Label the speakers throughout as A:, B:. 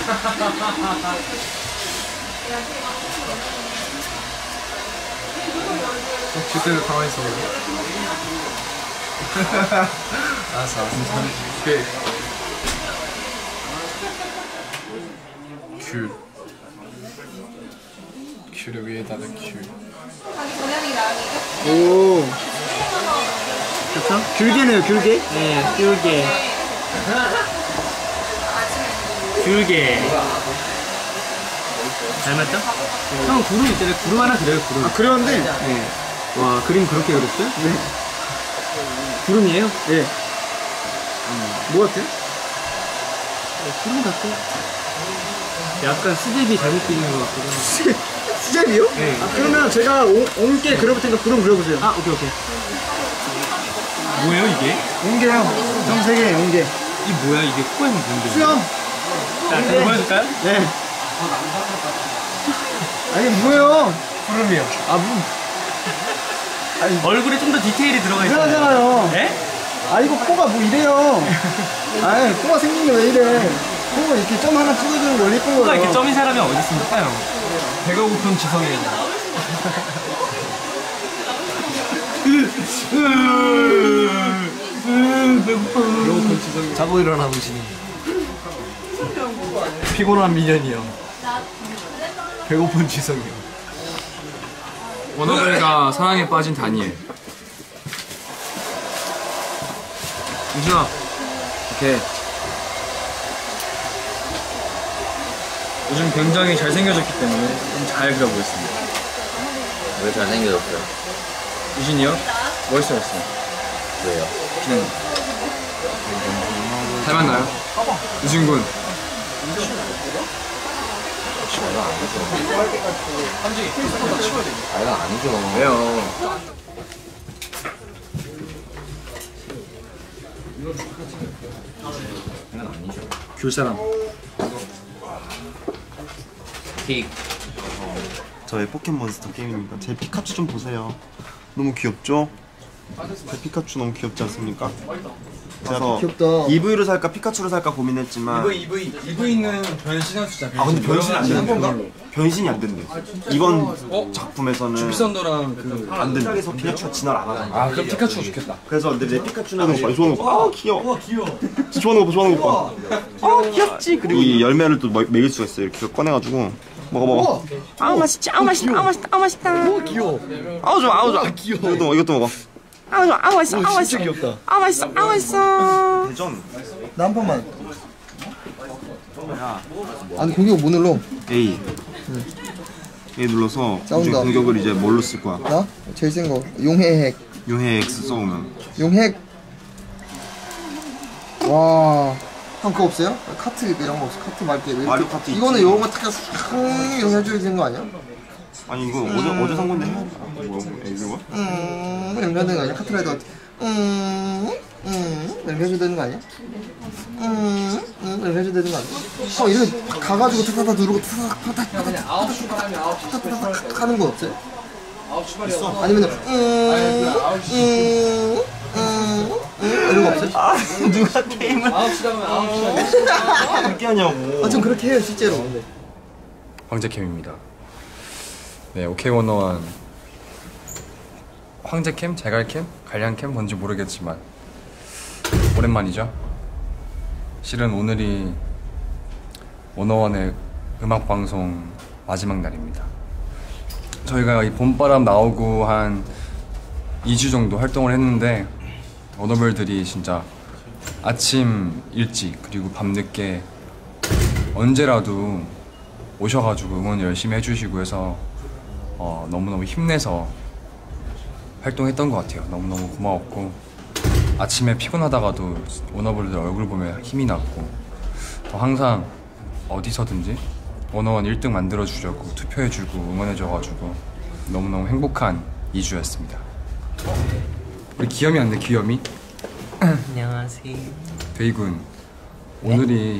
A: 그때는 가만히 있어. 알았어. 오케이. 큐를 위에다가 큐.
B: 오. 그렇죠? 귤게네요, 귤게? 네, 귤게. 귤게. 닮았죠? 형 구름 있잖아요. 구름 하나 그려요, 구름. 아, 그렸는데? 네. 와, 그림 그렇게 그렸어요? 네. 구름이에요? 네. 뭐 같아요? 구름 같아요. 약간 수제비 잘못 그리는 것 같거든요. 수제비요? 네. 아, 그러면 제가 옹게 그려볼 테니까 구름 그려보세요. 아, 오케이, 오케이. 뭐예요, 이게? 옹게요. 형 세 개, 옹게. 이 뭐야, 이게 코에 뭔데? 수염! 자, 제가 보여줄까요? 네. 아니, 뭐예요? 구름이요. 아, 뭐. 아니, 얼굴에 좀 더 디테일이 들어가 있어요. 이상하잖아요. 네? 아, 이거 코가 뭐 이래요. 아니, 코가 생긴 게 왜 이래. 코가 이렇게 점 하나 찍어주는 거 원래 예쁜 거예요. 코가 이렇게 점인 사람이 어디 있습니까, 형? 배가 고픈 지성이에요. 배고픈 지성이. 자고 일어나 보시니. 피곤한 미련이요. 배고픈 지성이요.
A: 워너벨과 사랑에 빠진 다니엘. 유준아. 오케이. 요즘 굉장히 잘생겨졌기 때문에 좀 잘 그려보겠습니다.
C: 왜 잘생겨졌어요?
A: 유진이요? 멋있어졌어요.
C: 왜요?
A: 그냥 닮았나요? 유진군.
C: 이거 아니죠. 이거 아니죠.
A: 왜요?
C: 이건 아니죠.
A: 귤사람.
C: 픽.
D: 저의 포켓몬스터 게임입니다. 제 피카츄 좀 보세요. 너무 귀엽죠? 제 피카츄 너무 귀엽지 않습니까? 그래서 EV를 살까 피카츄를 살까 고민했지만
A: EV는 변신할 수 있잖아.
D: 아 근데 변신이 안 되는 건가? 변신이 안 된대. 이번 작품에서는
A: 주피선더랑 그
D: 안 된대. 그래서 피카츄가 진화를 안 하잖아.
A: 아 그럼 피카츄가 좋겠다.
D: 그래서 근데 내 피카츄는 많이 좋아하는 거 봐. 아 귀여워. 진짜 좋아하는 거 봐. 좋아하는 거 봐. 아 귀엽지. 그리고 이 열매를 또 먹일 수가 있어요. 이렇게 꺼내가지고 먹어.
E: 아우 맛있지, 아우 맛있다, 아우 맛있다, 아우 맛있다.
D: 귀여워.
E: 아우 좋아, 아우 좋아.
D: 귀여워. 이것도 먹어.
E: 아우 좋아, 아우 맛있어, 아우 맛있어.
D: 귀엽다.
E: 아우 맛있어, 아우 맛있어.
D: 대전.
B: 나 한 번만. 아니 공격 못 눌러.
D: A. A 눌러서
B: 싸운다.
D: 공격을 이제 뭘로 쓸 거야?
B: 나? 제일 센 거. 용해 핵.
D: 용해 X 써오면.
B: 용핵. 와. 형 그거 없어요? 카트 이런 거 없어? 카트 말게.
D: 마리오 카트
B: 이거는
D: 있지.
B: 요런 거 탁 이렇게 해줘야 되는 거 아니야?
D: 아니 이거 어제 산 건데 뭐야? 이거?
B: 이렇게 해야 되는 거 아니야? 카트라이더. 이렇게 해줘야 되는 거 아니야? 이렇게 해줘야 되는 거 아니야? 형 이렇게 가가지고 타타타 누르고 타타타 하는 거 없어요? 있어. 아니면은 이런 거 없어요?
D: 아 누가 게임을 9시 가면 9시 그렇게 하냐고.
B: 아 좀 그렇게 해요 실제로.
A: 황제캠입니다. 네, 오케이원어원 황제캠, 제갈캠, 갈량캠 뭔지 모르겠지만 오랜만이죠. 실은 오늘이 원어원의 음악방송 마지막 날입니다. 저희가 이 봄바람 나오고 한 2주 정도 활동을 했는데 워너별들이 진짜 아침 일찍 그리고 밤늦게 언제라도 오셔가지고 응원 열심히 해주시고 해서 너무너무 힘내서 활동했던 것 같아요. 너무너무 고마웠고 아침에 피곤하다가도 워너별들 얼굴 보면 힘이 났고 더 항상 어디서든지 원어원 1등 만들어주려고 투표해주고 응원해줘가지고 너무너무 행복한 2주였습니다. 우리 기염이 왔네, 기염이.
E: 안녕하세요.
A: 데이군, 오늘이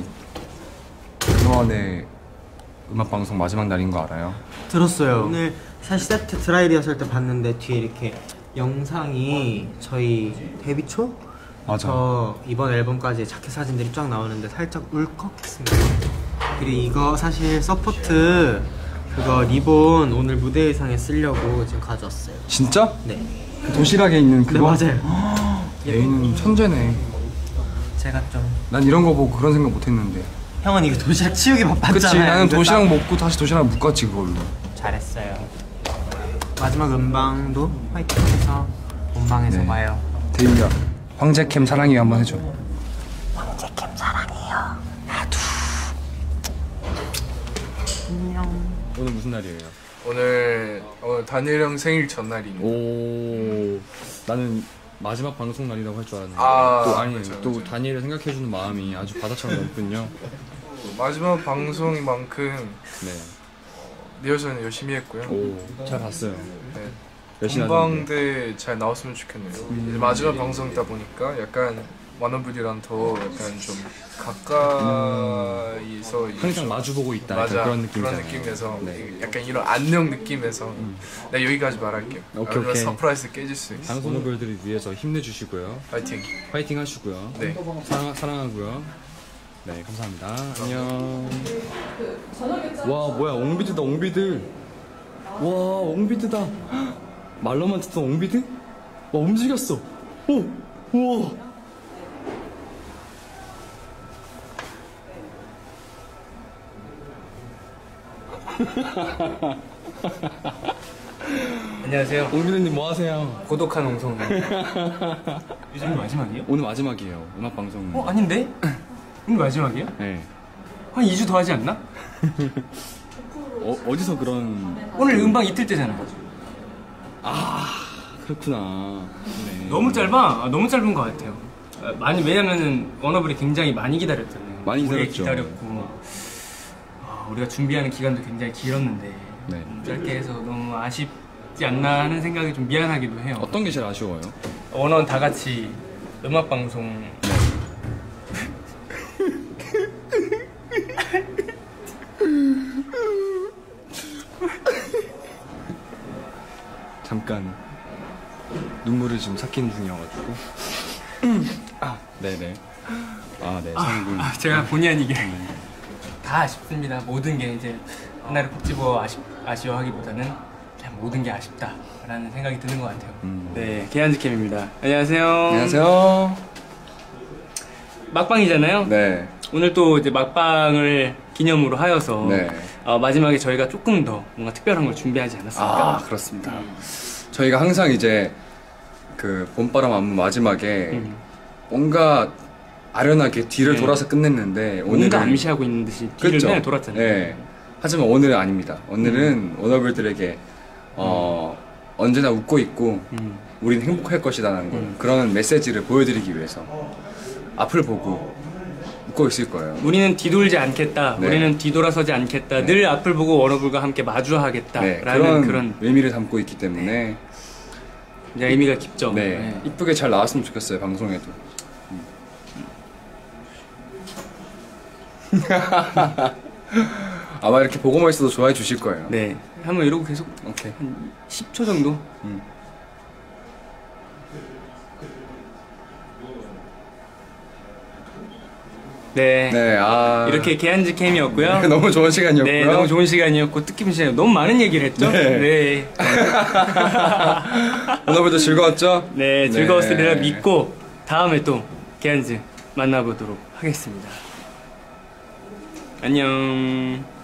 A: 원어원의 음악방송 마지막 날인 거 알아요?
F: 들었어요. 오늘 사실 세트 드라이 리허설 때 봤는데 뒤에 이렇게 영상이 저희 데뷔 초?
A: 맞아.
F: 저 이번 앨범까지 자켓 사진들이 쫙 나오는데 살짝 울컥했습니다. 그리고 이거 사실 서포트 그거 리본 오늘 무대 의상에 쓰려고 지금 가져왔어요.
A: 진짜?
F: 네.
A: 그 도시락에 있는
F: 네,
A: 그거?
F: 맞아요.
A: 얘는 천재네.
F: 제가 좀
A: 난 이런 거 보고 그런 생각 못 했는데.
F: 형은 이거 도시락 치우기 바빴잖아요.
A: 그치, 나는
F: 근데
A: 도시락
F: 딱
A: 먹고 다시 도시락 묶었지, 그걸로.
F: 잘했어요. 마지막 음방도 화이팅해서 본방에서
A: 네.
F: 봐요.
A: 데이야, 황제캠 사랑해요 한번 해줘. 오늘 무슨 날이에요?
G: 오늘 다니엘 형 생일 전날입니다.
A: 오, 나는 마지막 방송 날이라고 할 줄 알았는데 또 아니
G: 그렇죠,
A: 또
G: 그렇죠.
A: 다니엘을 생각해주는 마음이 아주 바다처럼 넓군요.
G: 마지막 방송만큼
A: 네,
G: 리허설은 열심히 했고요.
A: 오, 잘 봤어요.
G: 네.
A: 열심히 하셨는데.
G: 본방대 잘 나왔으면 좋겠네요. 이제 마지막 방송이다 보니까 약간 만원분이랑 더 약간 좀 가까이서
A: 항상 마주보고 있다. 약간
G: 맞아
A: 그런 느낌이잖아요.
G: 그런 느낌에서
A: 네.
G: 약간 이런 안녕 느낌에서 내가 여기까지 말할게요.
A: 오케이,
G: 아니면
A: 오케이.
G: 서프라이즈 깨질 수 있어.
A: 방송인들을 위해서 힘내주시고요.
G: 파이팅.
A: 파이팅 하시고요.
G: 네.
A: 사랑하고요. 네, 감사합니다. 안녕. 와, 뭐야, 옹비드다, 옹비드. 와, 옹비드다. 헉, 말로만 듣던 옹비드? 와, 움직였어. 오, 우와.
B: 안녕하세요.
A: 옹비드님 뭐 하세요?
B: 고독한 옹성. 요즘 마지막이에요?
A: 오늘 마지막이에요, 음악방송.
B: 아닌데? 오늘 마지막이에요?
A: 네.
B: 한 2주 더 하지 않나?
A: 어디서 그런.
B: 오늘 음방 이틀 때잖아요.
A: 그렇구나. 네.
B: 너무 짧아. 너무 짧은 것 같아요. 많이 왜냐면은 워너블이 굉장히 많이 기다렸잖아요.
A: 많이
B: 오래
A: 기다렸죠.
B: 기다렸고 우리가 준비하는 기간도 굉장히 길었는데
A: 네.
B: 짧게 해서 너무 아쉽지 않나 하는 생각이 좀 미안하기도 해요.
A: 어떤 게 제일 아쉬워요?
B: 원원 다 같이 음악 방송
A: 잠깐 눈물을 지금 삭히는 중이어가지고. 네네. 네, 성군.
B: 제가 본의 아니게 다 아쉽습니다. 모든 게 이제 하나를 콕 집어 아쉬워하기보다는 그냥 모든 게 아쉽다라는 생각이 드는 것 같아요. 네, 개한즈캠입니다. 안녕하세요.
A: 안녕하세요.
B: 막방이잖아요.
A: 네.
B: 오늘 또 이제 막방을 기념으로 하여서
A: 네.
B: 마지막에 저희가 조금 더 뭔가 특별한 걸 준비하지 않았습니까?
A: 그렇습니다. 저희가 항상 이제 그 봄바람 안무 마지막에 뭔가 아련하게 뒤를
B: 네.
A: 돌아서 끝냈는데
B: 뭔가
A: 오늘은
B: 암시하고 있는 듯이 뒤를
A: 그렇죠?
B: 맨날 돌았잖아요.
A: 네. 하지만 오늘은 아닙니다. 오늘은 워너블들에게 언제나 웃고 있고 우린 행복할 것이라는 걸 그런 메시지를 보여드리기 위해서 앞을 보고 웃고 있을 거예요.
B: 우리는 뒤돌지 않겠다.
A: 네.
B: 우리는 뒤돌아서지 않겠다.
A: 네.
B: 늘 앞을 보고 워너블과 함께
A: 네,
B: 마주하겠다라는 그런
A: 의미를 담고 있기 때문에
B: 이제 의미가 깊죠.
A: 네, 이쁘게 잘 나왔으면 좋겠어요, 방송에도. 아마 이렇게 보고만 있어도 좋아해 주실 거예요.
B: 네. 한번 이러고 계속
A: 오케이.
B: 한 10초 정도. 네.
A: 네,
B: 이렇게 개한즈 캠이었고요.
A: 너무 좋은 시간이었고요.
B: 네, 너무 좋은 시간이었고 뜻깊은 시간. 너무 많은 얘기를 했죠.
A: 네.
B: 네.
A: 오늘도 즐거웠죠?
B: 네, 즐거웠으리라 믿고 다음에 또 개한즈 만나보도록 하겠습니다. 안녕.